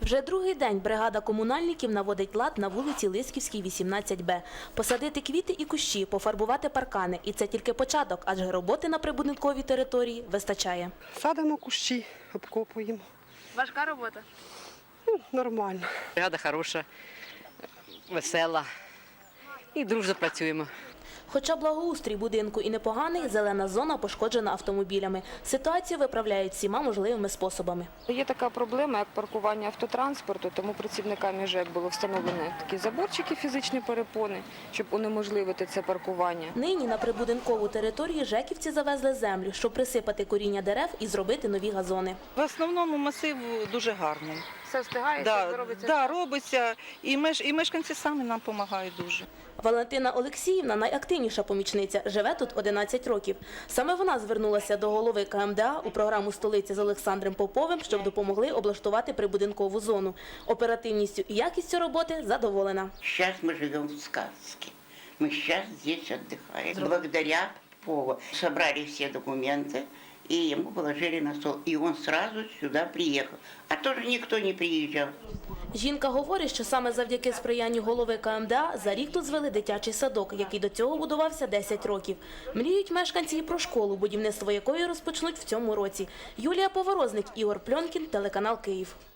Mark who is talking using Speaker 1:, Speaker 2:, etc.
Speaker 1: Вже другий день бригада комунальників наводить лад на вулиці Лисківській, 18Б. Посадити квіти і кущі, пофарбувати паркани. І це тільки початок, адже роботи на прибудинковій території вистачає.
Speaker 2: Садимо кущі, обкопуємо.
Speaker 1: Важка робота?
Speaker 2: Нормально.
Speaker 3: Бригада хороша, весела і дружно працюємо.
Speaker 1: Хоча благоустрій будинку і непоганий, зелена зона пошкоджена автомобілями. Ситуацію виправляють всіма можливими способами.
Speaker 4: Є така проблема, як паркування автотранспорту, тому працівниками ЖЕК було встановлено такі заборчики, фізичні перепони, щоб унеможливити це паркування.
Speaker 1: Нині на прибудинкову територію жеківці завезли землю, щоб присипати коріння дерев і зробити нові газони.
Speaker 5: В основному масив дуже гарний.
Speaker 4: Все встигає,
Speaker 5: Да,
Speaker 4: робиться?
Speaker 5: да, робиться, і мешканці самі нам допомагають дуже.
Speaker 1: Валентина Олексіївна – найактивніша помічниця, живе тут 11 років. Саме вона звернулася до голови КМДА у програму «Столиця» з Олександром Поповим, щоб допомогли облаштувати прибудинкову зону. Оперативністю і якістю роботи задоволена.
Speaker 6: Сейчас мы живем в сказке. Мы сейчас здесь отдыхаем. Благодаря Попову собрали все документы и ему положили на стол. И он сразу сюда приехал. А тоже никто не приезжал.
Speaker 1: Жінка говорить, що саме завдяки сприянню голови КМДА за рік тут звели дитячий садок, який до цього будувався 10 років. Мріють мешканці і про школу, будівництво якої розпочнуть в цьому році. Юлія Поворозник, Ігор Пльонкін, телеканал «Київ».